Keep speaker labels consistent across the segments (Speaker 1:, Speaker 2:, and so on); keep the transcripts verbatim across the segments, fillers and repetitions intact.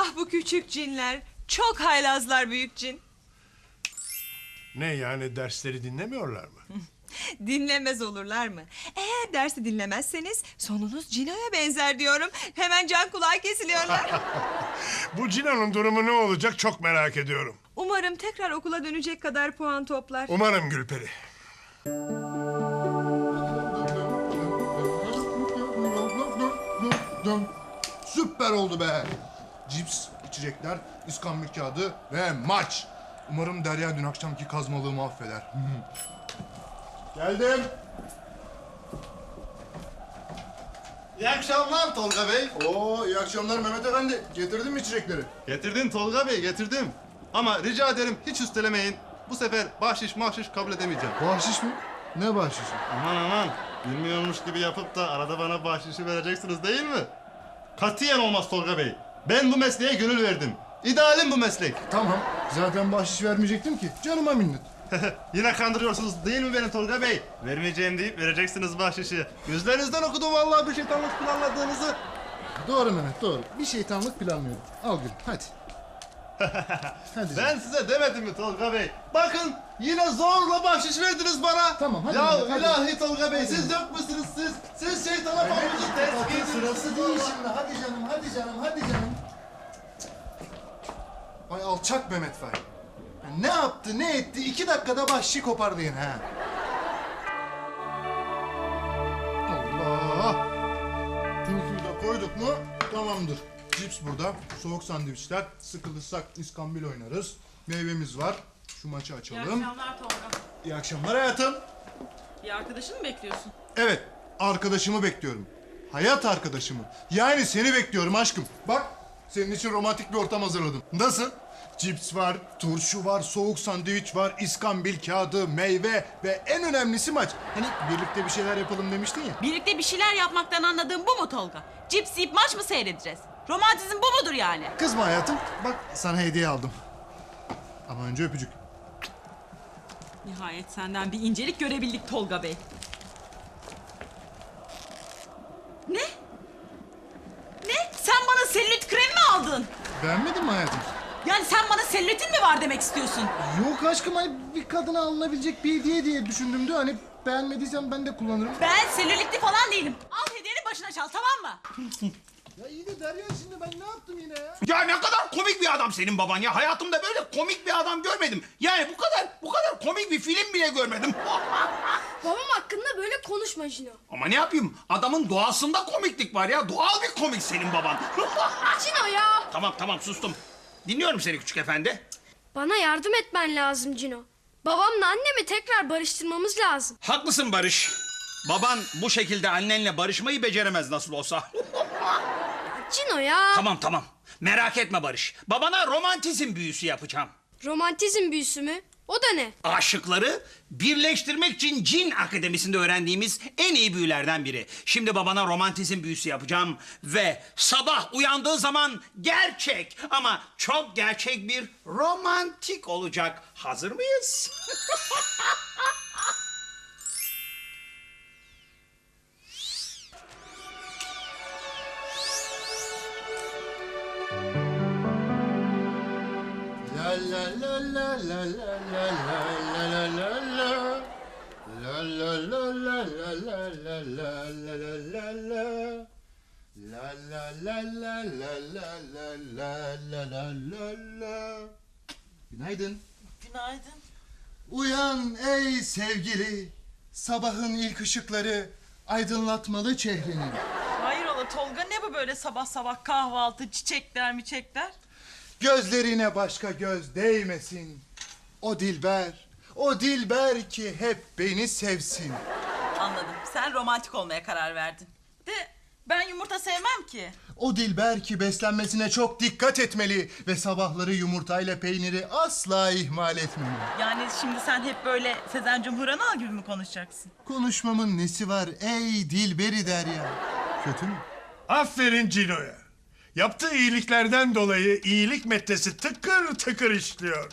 Speaker 1: Ah bu küçük cinler. Çok haylazlar büyük cin.
Speaker 2: Ne yani, dersleri dinlemiyorlar mı?
Speaker 1: Dinlemez olurlar mı? Eğer dersi dinlemezseniz sonunuz Cino'ya benzer diyorum. Hemen can kulağı kesiliyorlar.
Speaker 2: Bu Cino'nun durumu ne olacak çok merak ediyorum.
Speaker 1: Umarım tekrar okula dönecek kadar puan toplar.
Speaker 2: Umarım Gülperi.
Speaker 3: Süper oldu be. Cips, içecekler, iskambil kağıdı ve maç. Umarım Derya dün akşamki kazmalığımı affeder. Geldim.
Speaker 4: İyi akşamlar Tolga Bey.
Speaker 3: Oo, iyi akşamlar Mehmet Efendi. Getirdin mi içecekleri?
Speaker 4: Getirdim Tolga Bey, getirdim. Ama rica ederim hiç üstelemeyin. Bu sefer bahşiş mahşiş kabul edemeyeceğim.
Speaker 3: Bahşiş mi? Ne bahşişi?
Speaker 4: Aman aman, bilmiyormuş gibi yapıp da arada bana bahşişi vereceksiniz değil mi? Katiyen olmaz Tolga Bey. Ben bu mesleğe gönül verdim. İdealim bu meslek.
Speaker 3: Tamam. Zaten bahşiş vermeyecektim ki. Canıma minnet.
Speaker 4: Yine kandırıyorsunuz değil mi beni Tolga Bey? Vermeyeceğim deyip vereceksiniz bahşişi. Gözlerinizden okudum vallahi bir şeytanlık planladığınızı.
Speaker 3: Doğru Mehmet, doğru. Bir şeytanlık planlıyorum. Al gül, hadi. Hadi
Speaker 4: Ben
Speaker 3: canım.
Speaker 4: size demedim mi Tolga Bey? Bakın yine zorla bahşiş verdiniz bana.
Speaker 3: Tamam, hadi
Speaker 4: Ya
Speaker 3: Mehmet, hadi.
Speaker 4: ilahi Tolga Bey, siz yok musunuz siz? Siz şeytana pamucu ters
Speaker 3: Bakın
Speaker 4: giydiniz.
Speaker 3: sırası değil şimdi. Hadi canım, hadi canım, hadi canım. Ay alçak Mehmet Fay. Ya ne yaptı, ne etti? İki dakikada bahşişi kopardı yine ha. Allah! Turşuyu da koyduk mu tamamdır. Cips burada, soğuk sandviçler, sıkılırsak iskambil oynarız. Meyvemiz var. Şu maçı
Speaker 5: İyi
Speaker 3: açalım.
Speaker 5: akşamlar Tolga.
Speaker 3: İyi akşamlar hayatım.
Speaker 5: Bir arkadaşını mı bekliyorsun?
Speaker 3: Evet, arkadaşımı bekliyorum. Hayat arkadaşımı. Yani seni bekliyorum aşkım. Bak, senin için romantik bir ortam hazırladım. Nasıl? Cips var, turşu var, soğuk sandviç var, iskambil kağıdı, meyve ve en önemlisi maç. Hani birlikte bir şeyler yapalım demiştin ya.
Speaker 5: Birlikte bir şeyler yapmaktan anladığım bu mu Tolga? Cips yiyip maç mı seyredeceğiz? Romantizm bu mudur yani?
Speaker 3: Kızma hayatım. Bak sana hediye aldım. Ama önce öpücük.
Speaker 5: Nihayet senden bir incelik görebildik Tolga Bey. Ne? Ne? Sen bana selülit kremi mi aldın?
Speaker 3: Beğenmedin mi hayatım?
Speaker 5: Yani sen bana selülitin mi var demek istiyorsun?
Speaker 3: Yok aşkım, hani bir kadına alınabilecek bir hediye diye düşündüm de hani beğenmediysen ben de kullanırım.
Speaker 5: Ben selülitli falan değilim. Al hediyeni başına çal, tamam mı?
Speaker 3: Ya iyi de Derya, şimdi ben ne yaptım yine ya?
Speaker 6: Ya ne kadar komik bir adam senin baban ya. Hayatımda böyle komik bir adam görmedim. Yani bu kadar bu kadar komik bir film bile görmedim.
Speaker 7: Babam hakkında böyle konuşma Cino.
Speaker 6: Ama ne yapayım? Adamın doğasında komiklik var ya. Doğal bir komik senin baban.
Speaker 7: Cino ya!
Speaker 6: Tamam tamam sustum. Dinliyorum seni küçük efendi.
Speaker 7: Bana yardım etmen lazım Cino. Babamla annemi tekrar barıştırmamız lazım.
Speaker 6: Haklısın Barış. Baban bu şekilde annenle barışmayı beceremez nasıl olsa.
Speaker 7: Cino ya!
Speaker 6: Tamam tamam. Merak etme Barış. Babana romantizm büyüsü yapacağım.
Speaker 7: Romantizm büyüsü mü? O da ne?
Speaker 6: Aşıkları birleştirmek için Cin Akademisi'nde öğrendiğimiz en iyi büyülerden biri. Şimdi babana romantizm büyüsü yapacağım ve sabah uyandığı zaman gerçek ama çok gerçek bir romantik olacak. Hazır mıyız?
Speaker 3: La la la la la la la la la la la. La la la la la la la la la la la la. La la la la la la la la la la la la. Günaydın.
Speaker 5: Günaydın.
Speaker 3: Uyan ey sevgili. Sabahın ilk ışıkları aydınlatmalı çehreni.
Speaker 5: Hayrola Tolga, ne bu böyle sabah sabah kahvaltı, çiçekler mi çiçekler?
Speaker 3: Gözlerine başka göz değmesin. O dilber, o dilber ki hep beni sevsin.
Speaker 5: Anladım. Sen romantik olmaya karar verdin. De ben yumurta sevmem ki.
Speaker 3: O dilber ki beslenmesine çok dikkat etmeli ve sabahları yumurtayla peyniri asla ihmal etmeli.
Speaker 5: Yani şimdi sen hep böyle Sezen Cumhur Anal gibi mi konuşacaksın?
Speaker 3: Konuşmamın nesi var ey dilberi Derya? Kötü mü?
Speaker 2: Aferin Cino'ya. Yaptığı iyiliklerden dolayı iyilik metresi tıkır tıkır işliyor.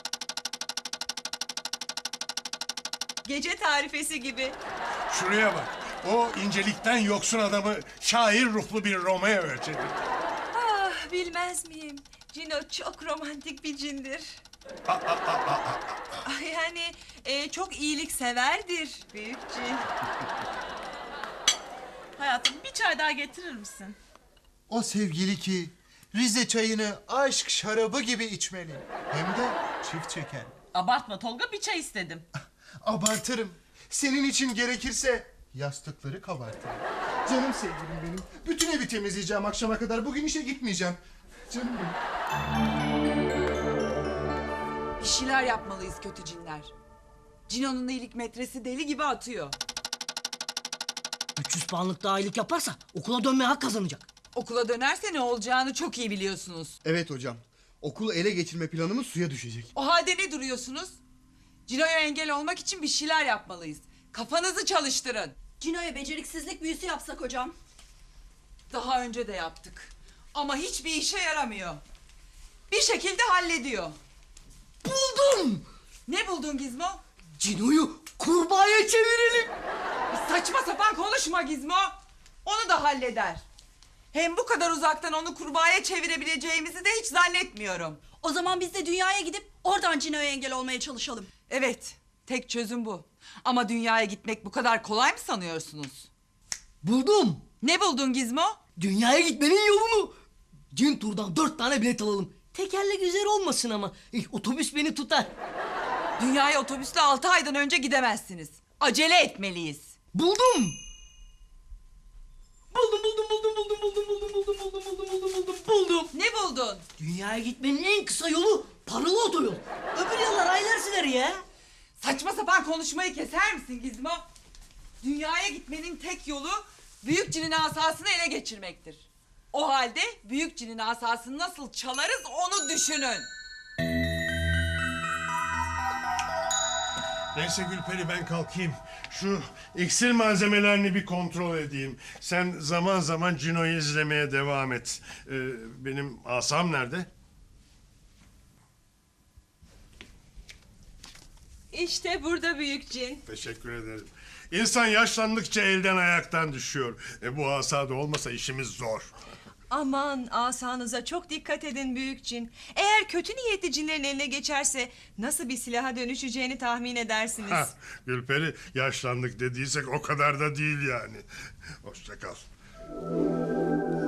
Speaker 1: Gece tarifesi gibi.
Speaker 2: Şuraya bak. O incelikten yoksun adamı şair ruhlu bir Romeo'ya çevirdi.
Speaker 1: Ah, Ah, bilmez miyim? Cino çok romantik bir cindir. Ah, yani e, çok iyilikseverdir büyük cin.
Speaker 5: Hayatım bir çay daha getirir misin?
Speaker 3: O sevgili ki Rize çayını aşk şarabı gibi içmeli. Hem de çift çeker.
Speaker 5: Abartma Tolga, bir çay istedim.
Speaker 3: Abartırım. Senin için gerekirse yastıkları kabartırım. Canım sevgilim benim. Bütün evi temizleyeceğim akşama kadar. Bugün işe gitmeyeceğim. Canım benim.
Speaker 8: Bir şeyler yapmalıyız kötü cinler. Cino'nun iyilik metresi deli gibi atıyor.
Speaker 9: üç yüz puanlık daha iyilik yaparsa okula dönmeye hak kazanacak.
Speaker 8: Okula dönerse ne olacağını çok iyi biliyorsunuz.
Speaker 10: Evet hocam. Okulu ele geçirme planımız suya düşecek.
Speaker 8: O halde ne duruyorsunuz? Cino'ya engel olmak için bir şeyler yapmalıyız. Kafanızı çalıştırın.
Speaker 11: Cino'ya beceriksizlik büyüsü yapsak hocam.
Speaker 8: Daha önce de yaptık. Ama hiçbir işe yaramıyor. Bir şekilde hallediyor.
Speaker 9: Buldum!
Speaker 8: Ne buldun Gizmo?
Speaker 9: Cino'yu kurbağaya çevirelim.
Speaker 8: Saçma sapan konuşma Gizmo. Onu da halleder. Hem bu kadar uzaktan onu kurbağaya çevirebileceğimizi de hiç zannetmiyorum.
Speaker 11: O zaman biz de dünyaya gidip oradan Cino'ya engel olmaya çalışalım.
Speaker 8: Evet, tek çözüm bu. Ama dünyaya gitmek bu kadar kolay mı sanıyorsunuz?
Speaker 9: Buldum.
Speaker 8: Ne buldun Gizmo?
Speaker 9: Dünyaya gitmenin yolunu. Cin turdan dört tane bilet alalım. Tekerlek üzeri olmasın ama. Eh, otobüs beni tutar.
Speaker 8: Dünyaya otobüsle altı aydan önce gidemezsiniz. Acele etmeliyiz.
Speaker 9: Buldum. Buldum buldum buldum buldum buldum buldum buldum buldum buldum buldum buldum buldum.
Speaker 8: Ne buldun?
Speaker 9: Dünyaya gitmenin en kısa yolu paralı otoyol. Öbür yollar aylar sürer ya.
Speaker 8: Saçma sapan konuşmayı keser misin Gizmo? Dünyaya gitmenin tek yolu büyük cinin asasını ele geçirmektir. O halde büyük cinin asasını nasıl çalarız onu düşünün.
Speaker 2: Neyse Gülperi, ben kalkayım. Şu iksir malzemelerini bir kontrol edeyim. Sen zaman zaman Cino'yu izlemeye devam et. Ee, benim asam nerede?
Speaker 1: İşte burada büyük cin.
Speaker 2: Teşekkür ederim. İnsan yaşlandıkça elden ayaktan düşüyor. E, bu asada olmasa işimiz zor.
Speaker 1: Aman, asanıza çok dikkat edin büyük cin. Eğer kötü niyetli cinlerin eline geçerse nasıl bir silaha dönüşeceğini tahmin edersiniz.
Speaker 2: Hah, Gülperi, yaşlandık dediysek o kadar da değil yani. Hoşça kal.